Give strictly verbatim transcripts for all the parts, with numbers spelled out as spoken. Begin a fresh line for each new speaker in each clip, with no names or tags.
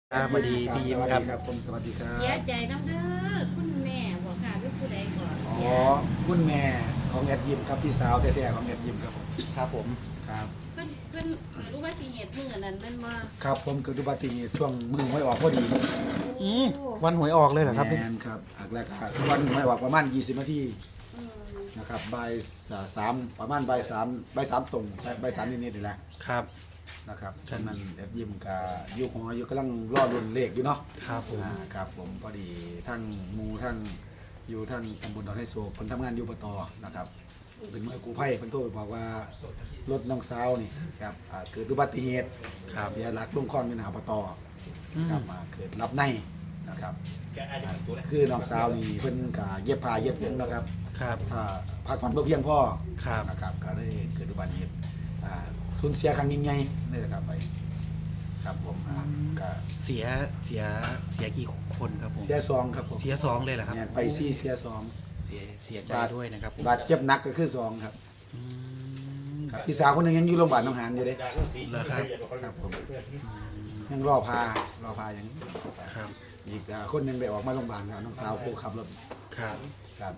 ครับสวัสดีพี่ยิ้มครับ
ครับผมสวัสดีครั
เสีย
บ
ใจน้ำเด้อคุณแม่บอกค่ะหรือผู้ใดก่อน
อ๋อคุณแม่ของแอดยิมครับพี่สาวแท้ๆของแอดยิมครับผม
ครับผม
ครับ
เพิ่นเพิ่นรู้ว่าสิเหตุมื้อนั้นเป็นบ่
ครับผมเกิดอุบัติเหตุช่วงมือไม่ออกพอดี
อืมวันหวยออกเลยเหรอครับ
แมนครับอักแรกครับวันไม่ออกประมาณยี่สิบนาที
อืม
นะครับบ่ายสามประมาณบ่ายสามบ่ายสามตรงบ่ายสามนิดๆนี่แหละ
ครับ
นะครับฉะนั้นแอดยิมกับอยู่หออยู่กำลังรอรุ่นเลขอยู่เนาะ
ครับผม
อ่าครับผมพอดีทั้งหมูทั้งอยู่ทั้งตำบลดอนไฮโซเพิ่นทำงานอยู่ปตนะครับเป็นมือกู้ภัยเพิ่นโทรไปบอกว่ารถน้องสาวนี่ครับอ่าเกิดอุบัติเหตุ
ครับ
เสียหลักลงคลองอยู่หน้าปต
อืม
ครับมาเกิดรับในนะครับอ่าคือน้องสาวนี่เพิ่นก็เย็บผ้าเย็บหยังนะครับ
ครับ
ถ้าพักผ่อนบ่เพียงพอ
ครับ
นะครับก็ได้เกิดอุบัติเหตุอ่าสูญเสียครั้งยิ่งใหญ่นี่แหละครับไปครับผมอ่าก็
เสียเสียเสียกี่คนครับผม
เสียซองครับผม
เสียสองเลยเหรอครับ
เนี่ยไปซี่เสียสอง
เสียเสียใจด้วยนะครับผม
บาดเจ็บหนักก็คือสองครับ
อืม
ครับพี่สาวคนหนึงยังอยู่โรงพยาบาลหนองหานอยู่เด้
เหรอครับ
ครับผมยังรอพารอพาอย่างนี้
ครับ
อีกอ่าคนหนึงได้ออกมาโรงพยาบาลครับน้องสาวผู้ขับรถ
ครับ
ครับ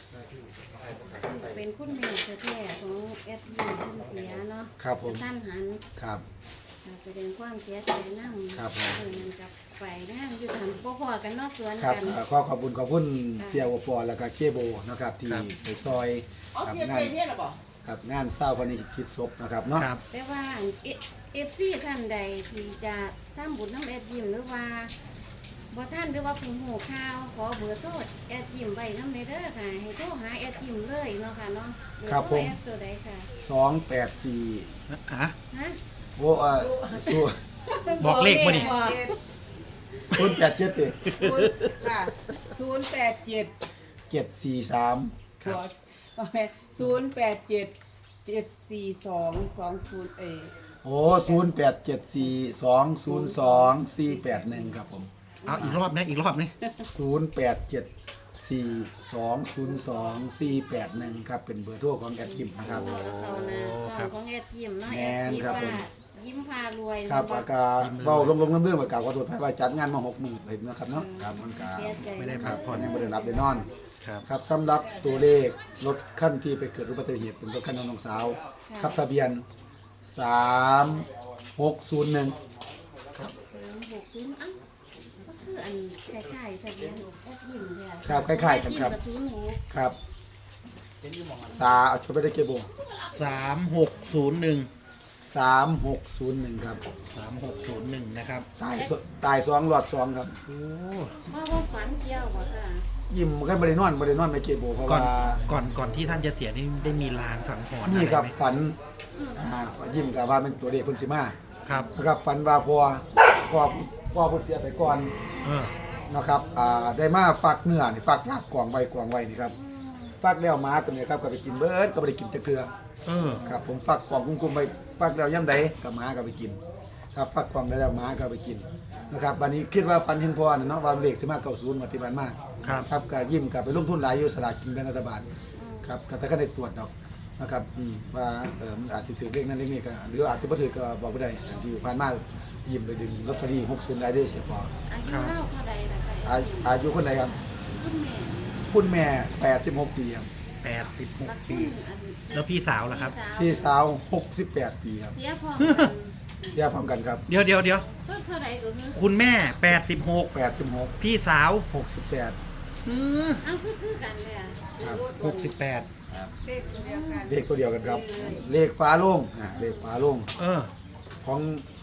เป็นคุณแม่แท้ๆของแอดยิมเพิ่นเสียเนาะ
ครับผม
ท่านหัน
ครับ
ค่ะแสดงความเสียใจนำ
ครับผม
เออนั่นกับไปงานอยู่ทำบ่พอกันเนาะสวน
ครับ
กัน
อ่าขอขอบคุณขอบคุณเสียโอปอแล้วก็เจโบนะครับที่ไปซอย
อ๋อ
กับ
เพียน
งาน
เพียนหรอบอก
กับงานเศร้าคนนี้คิดศพนะครับเนาะ
ครับ
แต่ว่า เอฟ ซี ท่านใดที่จะทำบุญน้ำแอดยิมหรือว่าบ่ท่านหรือว่าเพิ่งหูข่าวขอเบอร์โทรแอดยิมไว้น้ำในเด้อค่ะให้โทรหาแอดยิมเลยเนาะค่ะเนาะเอโทแอดตัวใดค่ะ
สองแปดสี่
ฮะ
ฮะ
โอ้เอ่อสู้
บอกเลขมาดิ
คุณแปดเจ็ดเจ็ด
ศูนย์ค่ะศูนย์แปดเจ็ด
เจ็ดสี่สาม
หัวประมาณศูนย์แปดเจ็ดเจ็ดสี่สองสองศูนย์เอ
โอ้ศูนย์แปดเจ็ดสี่สองศูนย์สองสี่แปดหนึ่งครับผม
เอาอีกรอบนะอีกรอบนี่
ศูนย์แปดเจ็ดสี่สองศูนย์สองสี่แปดหนึ่งครับเป็นเบอร์โทรของแอดคิมนะครับ
โอ้เขานะช่องของแอดยิมเนาะ
แม่
แอด
น
ชี
ครับ
ว่า
ผม
ยิ้มพารวย
ครับ
เนาะ
อากาเบาลมๆเรื่องๆประกาศขอโทษให้ว่าจัดงานมาหกหมื่นเลยนะครับเนาะครับมันก็
เสียใจ
ไม่ได้
ค
พั
รั
ก
บ
ผ่อน
ยังไม่ได้รับได้นอน
ครับ
ครับสำหรับตัวเลขรถขั้นที่ไปเกิดอุบัติเหตุเป็นรถขั้นของน้องสาวครับทะเบียนสามหกศูนย์หนึ่ง
สามหกศูนย์อ้าวก็คืออันคล้ายๆทะเบียนแอดยิมเนี่ย
ครับคล้ายๆกันครับ
แอดยิมกับศูนย์หก
ครับสาจะไปได้เก็บบ่
สามหกศูนย์หนึ่ง
สามหกศูนย์หนึ่งครับ
สามหกศูนย์หนึ่งนะครับ
ตายสตายสองหลอดสองครับ
โอ้
ว่าว่าฝันเกี่ยวบ่ค่ะ
ยิ้มแค่บริโนอนบริโนอนไม่เก็บบ่เพราะ
ก่อน
ว่า
ก่อนก่อนที่ท่านจะเสียนี่ได้มีลางสังหรณ์
นี่ครับ
อะไไหม
ฝัน
อืม
อ่ายิ้มกับว่าเป็นตัวเลขเพิ่นสิมา
ครับ
นะครับฝันว่าพอพอพอผู้เสียไปก่อน
เออ
นะครับอ่าได้มาฟักเนื้อนี่ฟักลาบกวางไว้กวางไว้นี่ครับ
อืม
ฟักแล้วหมาตัวนี้ครับก็ไปกินเบิดก็บ่ได้กินจักเทื่อ
เออ
ครับผมฟักกวางกุ้งๆไปฟักแล้วยามใดก็หมาก็ไปกิน ครับฟักกวางได้แล้วหมาก็ไปกินนะครับบัดนี้คิดว่าฝันเห็นพ่อน่ะเนาะว่าเลขสิมาเก้าสิบมาที่บ้านมา
ครับ
ครับก็ยิ้มกับไปลงทุนหลายอยู่สลากกินแบ่งรัฐบาลครับก็แต่ก็ได้ตรวจดอกนะครับอืมว่าเออมันอาจจะถือเลขนั้นเลขนี้ก็หรืออาจจะบ่ถือก็บอกบ่ได้อันที่ผ่านมายิ้มไปดึงลอตเตอรี่หกสิบได้เด้อเสียพอ
อายุเล่าเท่าใดล่ะค่ะ
อาอายุคนใดครับ
คุณแม่
คุณแม่แปดสิบหกปีครับ
แปดสิบหก
รัก
ปี
คุณอัน
แล้วพี่สาวล่ะครับ
พี่สาวหกสิบแปดปีครับ
เสียพร้อมกัน
เสียพร้อมกันครับ
เดี๋ยวเดี๋ยวเดี๋ยว
ก็เท่าใดก็คือ
คุณแม่แปดสิบหก
แปดสิบหก
พี่สาว
หกสิบแปด
อืม
เอ้าคือคือกันเลยอ่ะ
ครับ
หกสิบแปด
ครับ
เลขตัวเดียวกัน
เลขตัวเดียวกันครับ เลขฟ้าโล่งอ่าเลขฟ้าโล่ง
เออ
ของ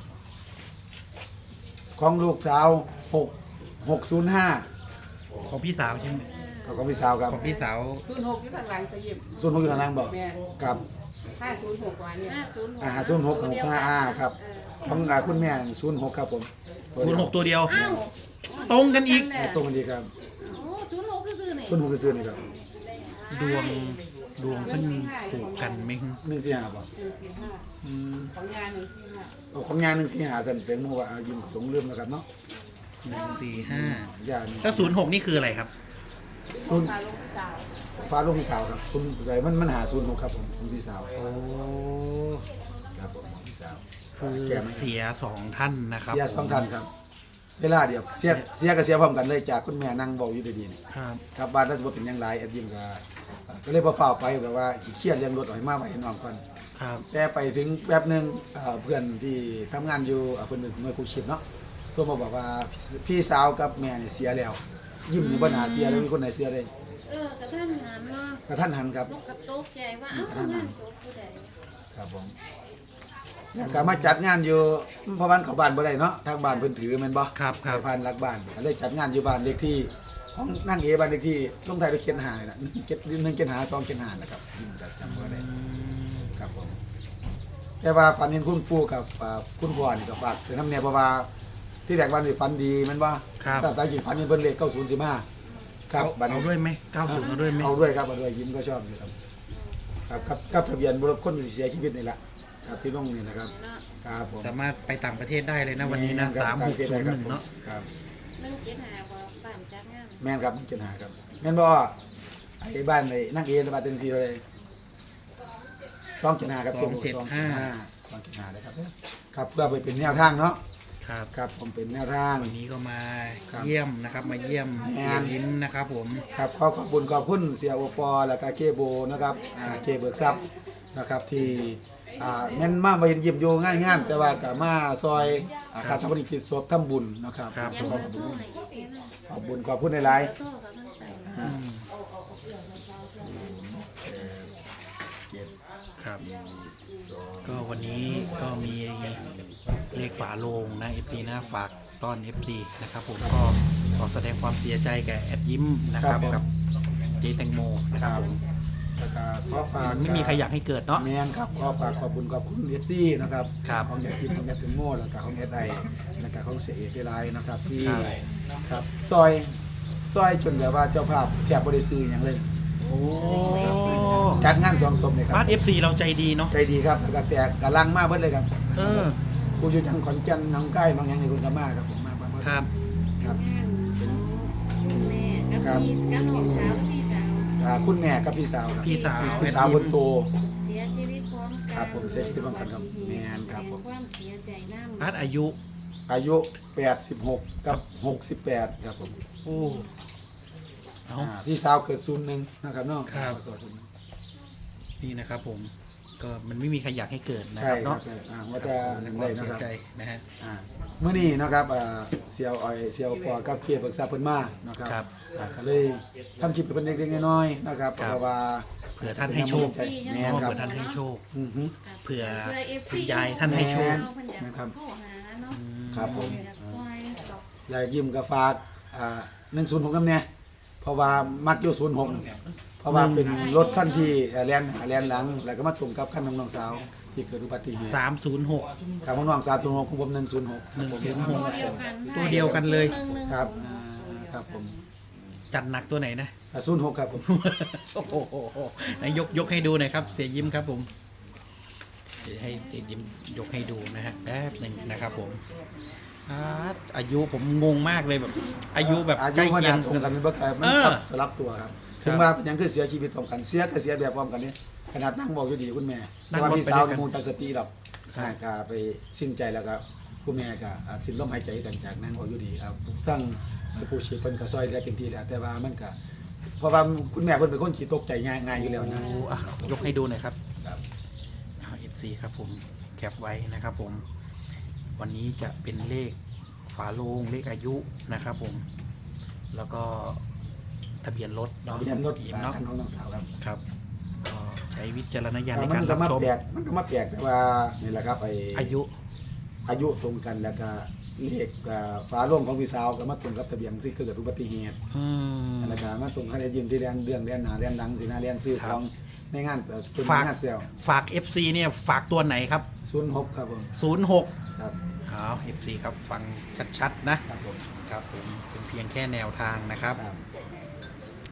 ของลูกสาวหกหกศูนย์ห้า
ของพี่สาวใช่ไหม
ของพี่สาวครับ
ของพี่สาว
ศูนย์หกอยู่ข้างหลังตะยิบ
ส่วนหกอยู่ทางล่างบอก
แม่
ครับ
ห้าศูนย์หกว่าเนี่ย
ห้าศูนย์หก
อ่าศูนย์หกของห้าอ่าครับ
เออ
ของอ่าคุณแม่ศูนย์หกครับผม
คุณหกตัวเดียว
อ้าว
ตรงกันอีก
อ่าตรงกันดีครับ
โอ้ศูนย์หกคือซื้อนี่
ศูนย์หกคือซื้อนี่ครับ
ดวงดวงเพิ่นถูกกันไหม
หนึ่งสี่ห้าบอก
หนึ่งสี่ห้า
อืม
ของงานหนึ่งสี่ห้า
เอาของงานหนึ่งสี่ห้าสันเป็นมัวายิ้มตรงเริ่มแล้วครับเนาะ
หนึ่งสี่ห้า
ย่านี่
แล้วศูนย์หกนี่คืออะไรครับ
ศูนย์
พาลงพี่สาว
ฟ้าลูกพี่สาวครับคุณไรมันมันหาศูนย์หกครับผมคุณพี่สาว
โอ้
ครับผมพี่สาว
คือ
แกไม่
เสียสองท่านนะครับ
เสียสองท่านครับเวลาเดียวเสียเสียก็เสียพร้อมกันเลยจากคุณแม่นั่งเว้าอยู่ดีๆนี่
ครับ
กลับบ้านแล้วสิบ่เป็นหยังหลายแอดยิมก็ก็เลยบ่ฟ้าวไปแบบว่าขี้เกียจเรื่องรถเอาให้มาไว้ให้น้องก่อน
ครับ
แต่ไปถึงแป๊บหนึงเอ่อเพื่อนที่ทำงานอยู่อ่าเพิ่นเป็นหน่วยกู้ชีพเนาะโทรมาบอกว่าพี่พี่สาวกับแม่นี่เสียแล้ว ยิ้มนี่บ่น่าเสียเลยมีคนไหนเสียได้
เออกระท่านหามเนาะ
กระทันหันครับ
ลูกกระตกใจว่าเอ้างานศพผู้ใด
ครับผมแล้วก็มาจัดงานอยู่เพราะบ้านเขาบ้านบ่ได้เนาะทางบ้านเพิ่นถือแม่นบ่
ครับครับ
ไปผ่านหลักบ้านก็เลยจัดงานอยู่บ้านเลขที่ของนั่งเอบ้านเลขที่ลงท้ายด้วยเจ็ดห้านี่ล่ะเจ็ดหนึ่งเจ็ดห้าสองเจ็ดห้าแหละครับยิ้มจะจำบ่ได้ ครับผมแต่ว่าฝันเห็นคุณปู่กับอ่าคุณพ่อนี่ก็ฝากถึงน้ำเนี่ยเพราะว่าที่แรกวันนี้ฝันดีแมันว่า
ครับ
แต่ตาจริงฝันเห็นเพิ่นเลขเก้าศูนย์สิบห้าครับ
เอาเอาด้วยไหมเก้าสิบเอาด้วยไหม
เอาด้วยครับเอาด้วยยิ้มก็ชอบอยู่ครับครับครับกับทะเบียนรถคนที่เสียชีวิตนี่แหละครับที่ลงนี่นะครับ
เนาะ
ครับผม
สามารถไปต่างประเทศได้เลยนะวันนี้นะ
ครับ
สามหกศูนย์หนึ่งเนาะ
ครับ
หนึ่งเจ็ดห้าบ่บ้านจัดงาน
แม่นครับเจ็ดห้าครับแม่นบ่ไอ้บ้านไอ้นั่งเอบ้านเต็มที่เลยสองเจ็ดห้าครับ
สองเจ็ดห้า
สองเจ็ดห้าเลยครับครับเพื่อไปเป็นแนวทางเนาะ
ครับ
ครับผมเป็นแนวทาง
วันนี้ก็มา
ครับ
เยี่ยมนะครับ มาเยี่ยม
แม่
เยี่ย
น
มยิ้มนะครับผม
ครับขอขอบคุณขอบคุณเสียโอปอแล้วก็เคโบนะครับอ่าเคเบิกทรัพย์นะครับที่อ่าแม่นมามาเห็นยิ้มอยู่ง่ายงานแต่ว่าก็มาซอยอ่าค่าสมริกิจศพทำบุญนะครับ
ครับ
ยัง
ข
เบ
อ
อบ ร์โทร
คุณ
ให้อีกแค่นั้น
ขอบคุณขอบคุณหลาย
เบอร์โทรก็ต้องใส่
ๆอ่า
ครับ ก็วันนี้ก็มีเลขฝาโลงนะ เอฟ ซี นะฝากต้อน เอฟ ซี นะครับผมก็ขอแสดงความเสียใจแก่แอดยิ้มนะครับกับเจแตงโมนะครับผม
แล้วก็ขอฝาก
มันไม่มีใครอยากให้เกิดเนาะ
แมนครับขอฝากขอบคุณขอบคุณเอฟซีนะครับ
ครับ
ของแอดกิมของแอดเป็นโม่แล้วก็ของแอดไอแล้วก็ของเสียเอกไลน์นะครับที่
ครับ
ครับซอยซอยจนแบบว่าเจ้าภาพแทบบ่ได้ซื้ออย่างเลย
โอ้
จัดงานสองศพเนี่ยครั
บ้าน
บ
เอฟซีเราใจดีเนาะ
ใจดีครับแล้วก็แตกกำลังมากเบิดเลยครับ
เออ
กูอยู่ทางขอนแก่นน้องใกล้บางอย่างในคุณก็มาครับผมมามา
ครับ
ครับ
งานของคุณแม่กับพี่กับน้องสาวพี่สาว
อ่าคุณแม่กับพี่สาวครับ
พี่สาว
พี่สาวคนโต
เสียชีวิตพร้อมกัน
ครับผมเสียชีวิตพร้อมกันครับแม่นครับผม
แสดงความเสียใจน้ำ
บ้านอายุ
อายุแปดสิบหกกับหกสิบแปดครับผม
โอ้เอา
อ่าพี่สาวเกิดศูนย์หนึ่งนะครับเน้อง
ครับ นี่นะครับผม ก็มันไม่มีใครอยากให้เกิดนะ
ใช่
ครับ
ครั
เนาะ
บอ่าว่าจะ
ใน
หนึ่ง
ค
เล
วาม
ยนะ
เสีย
ครับ
ใจนะฮะ
อ่าเมื่อนี้นะครับอ่าเซียวอ้อยเซียวปอกับเกียร์เบิกทรัพย์เพิ่นมานะครับ
ครับ
อ่าก็เลยทำคลิปให้เพิ่นเล็กๆน้อยๆนะครับ
ครับ
เพราะว่า
เผื่อท่านให้โชค
แม่น
เนาะ
ครับ
เผื่อท่านให้โชค
อือฮึ
เผื่อ
เอฟ
คุณยายท่านให้โชค
นะครับ
เข้าหาเนาะ
ครับผม
อยากซอยตอก
อยากยิ้มกับฝากอ่าหนึ่งศูนย์หกกับเนี่ยเพราะว่ามักอยู่ศูนย์หกเพราะว่าเป็นรถขั้นที่เอ่อแลนแลนหลัง แล้วก็มาตรงกับขั้นของน้องสาวที่เกิดอุบัติเหตุ
สามศูนย์หก
ครับของน้องสาวศูนย์หกของผมหนึ่งศูนย์หก
หนึ่งศูนย์หก
ตัวเดียวกัน
ตัวเดียวกันเลย
หนึ่งหนึ่ง
ครับ
ศูนย์
อ่าครับผม
จัดหนักตัวไหนนะ
ศูนย์หกครับผม
โอ้โหไหนยกยกให้ดูหน่อยครับ เสียยิ้มครับผมเดี๋ยวให้เสียยิ้มยกให้ดูนะฮะแป๊บหนึ่งนะครับผมอาอายุผมงงมากเลยแบบ อายุแบบ
อา
ใก
ยุ
ล้
ข
เคีย
นาง ดตรงกันเป็นบ่ไกลมัน
เออ
ครับสลับตัวครับถึงว่าเป็นหยังคือเสียชีวิตพร้อมกันเสียก็เสียแบบพร้อมกันนี่ขนาดนั่งบอกอยู่ดีคุณแม่
นั่
แต่
ง
ว่าร
ถ
พี่
ไป
สาว
ด้วยกัน
คงจากสติหรอก
ครับ
หายกาไปสิ้นใจแล้วครับคุณแม่ก็อ่าสิ้นลมหายใจกันจากนั่งบอกอยู่ดีครับสร้างผู้ชีพเพิ่นก็ซอยเหลือเต็มที่แล้วแต่ว่ามันก็เพราะว่าคุณแม่เพิ่นเป็นคนขี้ตกใจง่ายง่ายอยู่แล้วนะ
โอ้อ่ะยกให้ดูหน่อยครับ
ครับ
เอฟซีครับผมแคปไว้นะครับผม วันนี้จะเป็นเลขฝาโลงเลขอายุนะครับผม แล้วก็ทะเบียนรถเนาะ
เรียนรถ
ยิ้ม
อ่า
เนาะ
คันของน้องสาวครับ
ครับก็ใช้วิจารณญาณใน
มั
การ
นก็
รับ
มา
ชม
แปลกมันก็มาแปลกแต่ว่านี่แหละครับไอ้
อายุ
อายุตรงกันแล้วก็เลขอ่าฝาโล่งของพี่สาวก็มาตรงกับทะเบียนที่เกิดอุบัติเหตุ
อืม
แล้วก็มาตรงคันได้ยืมที่แดนเรื่องแดนหนาแดนหลังสินะแดนซื้อ
ครั
ข
บ
องในงานเอ่อเป็น
ฝาก
งานเซล
ฝาก เอฟ ซี เนี่ยฝากตัวไหนครับ
ศูนย์หกครับผม
ศูนย์หก
ครับ
เอา เอฟ ซี ครับฟังชัดๆนะ
ครับผม
ครับผมเป็นเพียงแค่แนวทางนะครับ
ครับ